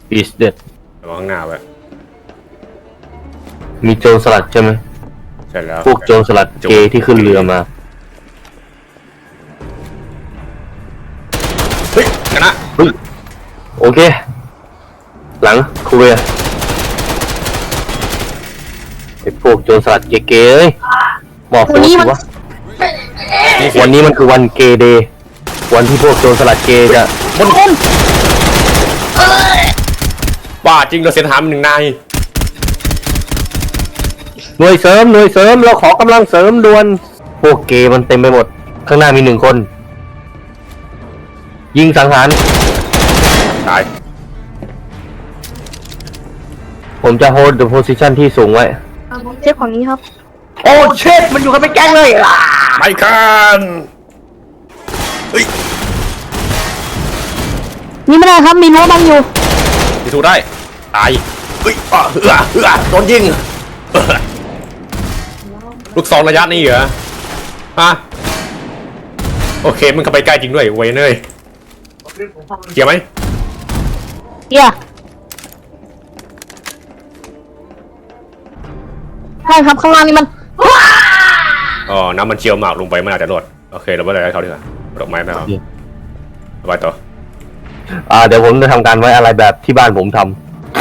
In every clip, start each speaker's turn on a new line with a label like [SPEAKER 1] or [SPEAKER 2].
[SPEAKER 1] is dead
[SPEAKER 2] ระวังข้างหน้าไว้
[SPEAKER 1] มีโจรสลัดใช่ไหม
[SPEAKER 2] ใช่แล้ว
[SPEAKER 1] พวกโจรสลัดเกย์ที่ขึ้นเรือมา
[SPEAKER 2] เฮ้ยชนะ
[SPEAKER 1] เฮ้ยโอเคหลังคูเวไอ้พวกโจรสลัดเกย์เอ้ยบอกผมสิว่าวันนี้มันคือวันเกย์เดย์วันที่พวกโจรสลัดเกย์จะ
[SPEAKER 2] บ้าจริงเราเสียทหารหนึ่งนาย
[SPEAKER 1] หน่วยเสริมเราขอกำลังเสริมด่วนพวกเกย์มันเต็มไปหมดข้างหน้ามี1 คนยิงสังหาร
[SPEAKER 2] ตาย
[SPEAKER 1] ผมจะ hold the position ที่สูงไว้
[SPEAKER 3] เช็คของนี้ครับ
[SPEAKER 1] โอ้เช็ดมันอยู่กันเป็นแก๊งเลย
[SPEAKER 2] ไม่กันเฮ้ย
[SPEAKER 3] นี่ไม่ได้ครับมีรั้วบังอยู่
[SPEAKER 2] พิสูจน์ได้ตายเฮ้ยโดนยิงลูกซองระยะนี้เหรอฮะโอเคมึงเข้าไปใกล้จริงด้วยเวยเนยเกี่ยวไหม
[SPEAKER 3] เกี่ยวใช่ครับข้างล่างนี่มัน
[SPEAKER 2] อ๋อน้ำมันเชี่ยวหมากลงไปมันอาจจะรอดโอเคเราไม่ได้เขาดีกว่าดอกไม้ไม่เอาไปต่อ
[SPEAKER 1] เดี๋ยวผมจะทำการไว้อะไรแบบที่บ้านผมท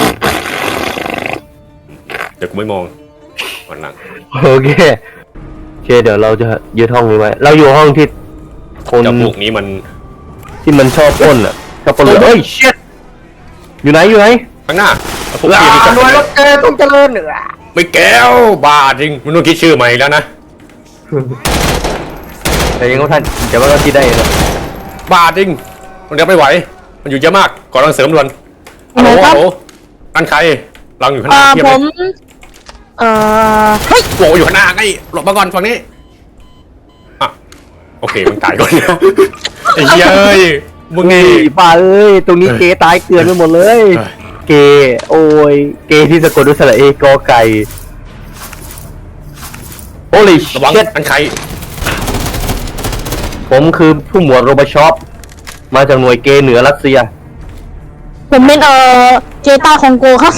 [SPEAKER 2] ำเดี๋ยวกูไม่มองวันหลัง
[SPEAKER 1] โอเคเดี๋ยวเราจะยึดห้องนี้ไว้เราอยู่ห้องที่คน
[SPEAKER 2] พวกนี้มัน
[SPEAKER 1] ที่มันชอบปล้นชอบปล้นเลยเฮ้ยเช็ดอยู่ไหน
[SPEAKER 2] ข้างหน้า
[SPEAKER 1] พวกนี้หน่วยรถต้องเจริญเหนือ
[SPEAKER 2] ไม่แก้วบ้าจริงมึงต้องคิดชื่อใหม่แล้วนะ
[SPEAKER 1] แต่ยังก็ท่านแต่ว่าก็คิดได้นะ
[SPEAKER 2] บ้าจริงมันเดี๋ยวไม่ไหวมันอยู่เยอะมากก่อนรังเสริมด่วนฮัลโหลอันใครรังอยู่ข้างหน้า
[SPEAKER 3] ผม
[SPEAKER 2] เฮ้ยโหอยู่ข้างหน้าไงหลบมาก่อนฝั่งนี้อ่ะโอเคมึงตายก่อนไอ้เหี้ยเอ้ยมึงนี่
[SPEAKER 1] บ้าเอ้ยตรงนี้เกย์ตายเกลื่อนไปหมดเลยเกย์โอ้ยเกย์ที่สะกดด้วยสระเอกอไก่โอ้ย
[SPEAKER 2] ระวังอันใคร
[SPEAKER 1] ผมคือผู้หมวดโรบชอปมาจากหน่วยเกย์เหนือรัสเซีย
[SPEAKER 3] ผมเป็นเจต้าคองโกครับ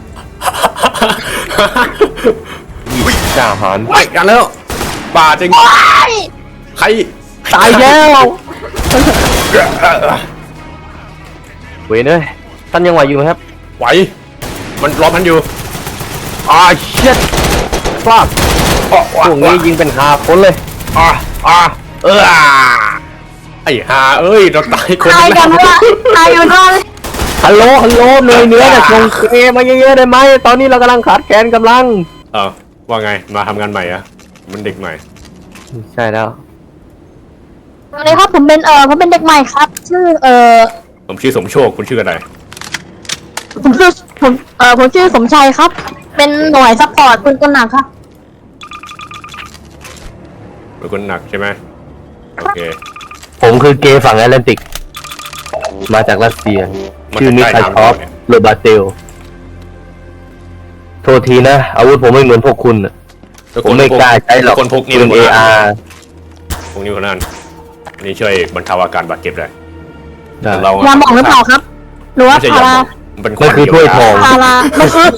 [SPEAKER 1] จ่าหาร
[SPEAKER 2] ไปกันแล้วป่าจริงใคร
[SPEAKER 1] ตายแล้วเว้ยเนยท่านยังไหวอยู่ไหมครับ
[SPEAKER 2] ไหวมันล้อมมันอยู่
[SPEAKER 1] เช็ดฟาดพวกนี้ยิงเป็น5 คนเลย
[SPEAKER 2] ไอ้หาเอ้ยเราตายคน
[SPEAKER 3] ตายกันวะตายกันวะ
[SPEAKER 1] ฮัลโหลหน่วยเหนือจะส่งเกย์มาเยอะๆได้ไหมตอนนี้เรากำลังขาดแคลนกำลัง
[SPEAKER 2] ว่าไงมาทำงานใหม่อะมันเด็กใหม่
[SPEAKER 1] ใช่แล้ว
[SPEAKER 3] สวัสดีครับผมเป็นเด็กใหม่ครับชื่อ
[SPEAKER 2] ผมชื่อสมโชคคุณชื่ออะไร
[SPEAKER 3] ผมชื่อสมชัยครับเป็นหน่วยซัพพอร์ตปืนกลหนักครับ
[SPEAKER 2] ปืนกลหนักใช่ไหมโอเค
[SPEAKER 1] ผมคือเกย์ฝั่งแอตแลนติกมาจากรัสเซียชื่อมิคาชอฟโรบาเตลโทษทีนะอาวุธผมไม่เหมือนพวกคุณผมไม่กล้าใช้หรอก
[SPEAKER 2] คนพกนี่
[SPEAKER 1] เป็น AR
[SPEAKER 2] พวกนี้คนนั้นนี่ช่วยบรรเทาอาการบาดเจ็บได้
[SPEAKER 3] เรายาหมองหรือเปล่าครับหรือว่าพารา
[SPEAKER 1] มันคือถ้วยทอง
[SPEAKER 3] พารามันคือ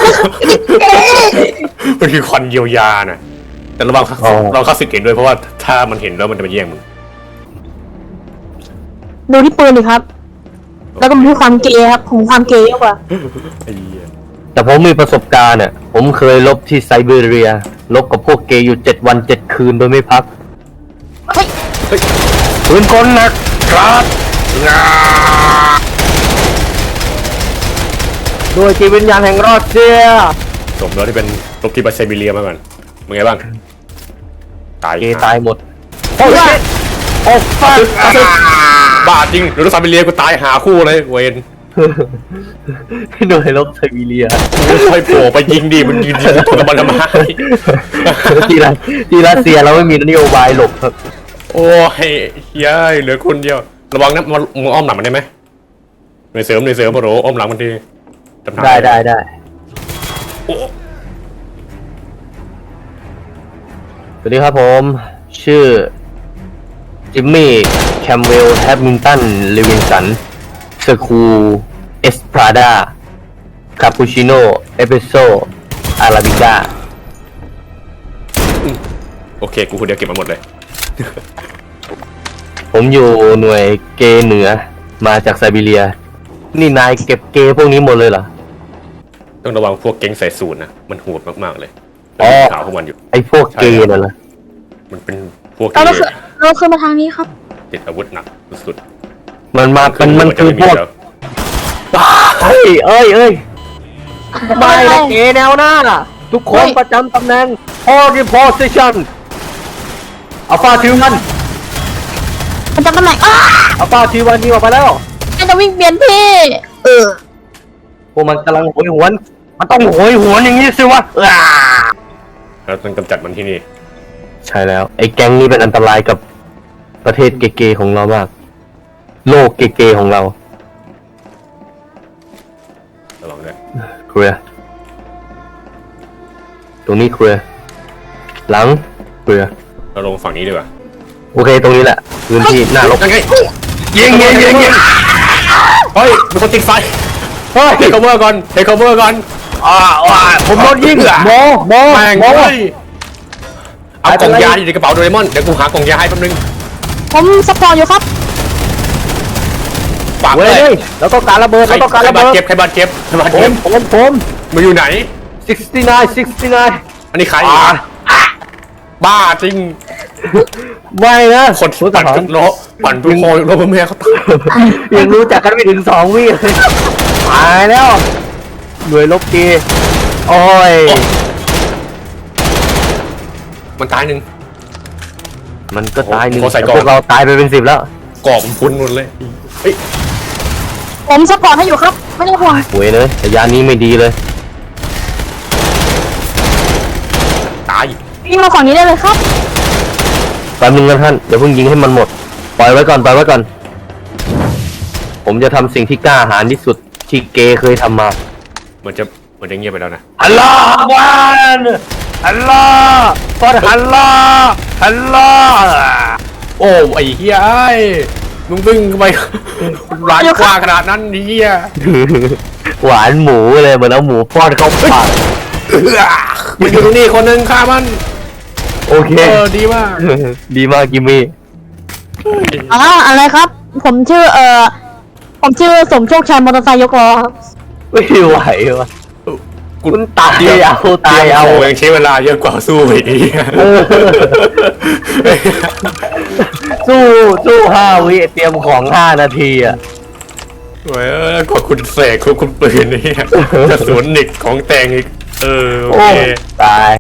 [SPEAKER 2] มันคือควันเยียวยาน่ะแต่ระวังเราเข้าสึกเห็นด้วยเพราะว่าถ้ามันเห็นแล้วมันจะมาแย่งมึง
[SPEAKER 3] ดูที่ปืนดิครับแล้วก็มีความเกย์ครับผมความเกย์เยอะกว่า
[SPEAKER 1] แต่ผมมีประสบการณ์เนี่ยผมเคยลบที่ไซบีเรียลบกับพวกเกย์อยู่7 วัน 7 คืนโดยไม่พักปืนกลหนักครับด้วยจิตวิญญาณแห่งรัสเซีย
[SPEAKER 2] สมแล้วที่เป็นลบที่ไซบีเรียมาก่อนมึงไงบ้าง
[SPEAKER 1] เกย์ตายหมด
[SPEAKER 3] โอ้ย
[SPEAKER 2] บ้าจริงหรือไซบีเรียกูตายหาคู่เลยเวน
[SPEAKER 1] โดยลบไซบีเรีย
[SPEAKER 2] ค่อยโผล่ไปยิงดิมันยิงถูกกับมันทำไม
[SPEAKER 1] ที่รัสเซียเราไม่มีนโยบายหลบครับ
[SPEAKER 2] โอ้ยเย้ยเหลือคนเดียวระวังนะมึงอ้อมหลังมันได้ไหมในเสริมโปรอ้อมหลังมันที
[SPEAKER 1] ได้สวัสดีครับผมชื่อจิมมี่แคมเวลแฮปมินตันเลวินสันสคูเอสพราดาคาปูชิโน่เอสเปรสโซ่อาราบิก้า
[SPEAKER 2] โอเคกูคนเดียวเก็บมาหมดเลย
[SPEAKER 1] ผมอยู่หน่วยเกเหนือมาจากไซบีเรีย นี่นายเก็บเกพวกนี้หมดเลยเหรอ
[SPEAKER 2] ต้องระวังพวกเก๊งใส่สูตรนะมันโหดมากๆเลย
[SPEAKER 1] อ๋อ
[SPEAKER 2] ข่าวพวกมันอยู่
[SPEAKER 1] ไอ้พวกเกย์นั่นเหรอ
[SPEAKER 2] มันเป็นพวก
[SPEAKER 3] เรา
[SPEAKER 2] ที่
[SPEAKER 3] คือมาทางนี้ครับ
[SPEAKER 2] ติดอาวุธหนักสุด
[SPEAKER 1] มันมา
[SPEAKER 2] ๆ
[SPEAKER 1] มันคือพวก
[SPEAKER 2] แล้ว
[SPEAKER 1] เฮ้ยไม่นะเกแนวหน้า ทุกคนประจำตำแหน่ง hold your position อัลฟาทีวัน
[SPEAKER 3] มันจะตำแหน่ง
[SPEAKER 1] อัลฟาทีวันนี่ออกไปแล้ว
[SPEAKER 3] มันจะวิ่งเปลี่ยนที่
[SPEAKER 1] พวกมันกำลังโหยหวน มันต้องโหยหวนอย่างนี้สิวะ
[SPEAKER 2] เราต้องกำจัดมันที่นี่
[SPEAKER 1] ใช่แล้ว ไอ้แก๊งนี้เป็นอันตรายกับประเทศเกย์ของเรามาก โลกเกย์ของเรา
[SPEAKER 2] ระวังด้วย
[SPEAKER 1] เคลียร์ตรงนี้เคลียร์หลังเคลียร์
[SPEAKER 2] เราลงฝั่งนี้ดีกว่า
[SPEAKER 1] โอเคตรงนี้แหละพื้นที่หน้าลบ
[SPEAKER 2] ยังไง
[SPEAKER 1] ยิง
[SPEAKER 2] เฮ้ยมีคนติดไฟ
[SPEAKER 1] เฮ้ย
[SPEAKER 2] เทคโอเวอร์ก่อนเทคโอเวอร์ก่อน
[SPEAKER 1] ผมโดนยิงโม
[SPEAKER 2] แม่ง
[SPEAKER 1] โม
[SPEAKER 2] เฮ้ยเอากล่องยาที่อยู่ในกระเป๋าโดเรมอนเดี๋ยวกูหากล่องยาให้แป๊บนึง
[SPEAKER 3] ผมซัพพอร์ตอยู่ครับ
[SPEAKER 2] ฝาก
[SPEAKER 1] เว้
[SPEAKER 2] เลย
[SPEAKER 1] ยเราต้องการระเบิดเราต้องการระเบิด
[SPEAKER 2] ใครบาดเจ็บ
[SPEAKER 1] ผม
[SPEAKER 2] มาอยู่ไหน
[SPEAKER 1] 69
[SPEAKER 2] อันนี้ใครบ้าจริง
[SPEAKER 1] ไม่นะ
[SPEAKER 2] คนปั่นทุกโลปั่นทุกโลโลแม่เขาตาย
[SPEAKER 1] ยังรู้จักกันไม่ถึง2 วิเลยตายแล้วหน่วยลบเกย์โอ้ย
[SPEAKER 2] มันตายหนึ่ง
[SPEAKER 1] มันก็ตายหนึ่ง
[SPEAKER 2] โอ้ใส่
[SPEAKER 1] แต่
[SPEAKER 2] กล่อง
[SPEAKER 1] พวกเราตายไปเป็น10แล้ว
[SPEAKER 2] กรอบมันพุ้นหมดเลยเฮ้ย
[SPEAKER 3] ผมซัพพอร์ตให้อยู่ครับ ไม่ต้องห่วง
[SPEAKER 1] หวยเลยแต่ยานนี้ไม่ดีเลย
[SPEAKER 2] ตาย
[SPEAKER 3] วิ่งมาฝั่งนี้ได้เลยครับ
[SPEAKER 1] แป๊บนึงนะท่านเดี๋ยวเพิ่งยิงให้มันหมดปล่อยไว้ก่อนผมจะทำสิ่งที่กล้าหาญที่สุดที่เกย์เคยทำมา
[SPEAKER 2] มันจะเงียบไปแล้วนะ
[SPEAKER 1] ฮัลโหลวันฮัลโหลฟอดฮัลโหล
[SPEAKER 2] โอ้ไอ้เฮียไอ้มึงวิ่งไปร้านกว้างขนาดนั้นนี่เฮีย
[SPEAKER 1] หวานหมูเลยเหมือนเอาหมูป้อนเข้าปาก
[SPEAKER 2] มันอยู่ตรงนี้คนหนึ่งฆ่ามัน
[SPEAKER 1] โอเค
[SPEAKER 2] ดีมาก
[SPEAKER 1] ดีมากกิมมี่
[SPEAKER 3] อะไรครับ ผมชื่อสมโชคชัยมอเตอร์ไซค์ยกล้อครับ
[SPEAKER 1] ไม่ไหววะคุณตายเอา
[SPEAKER 2] ยังใช้เวลาเยอะกว่าสู้อีก
[SPEAKER 1] สู้5 วิเตรียมของ5 นาทีอ่ะ
[SPEAKER 2] โอ้ยกว่าคุณเสกคุณปืนนี่กระสุนนิกของแต่งอีกโอ
[SPEAKER 1] โอ้
[SPEAKER 2] เค
[SPEAKER 1] ตาย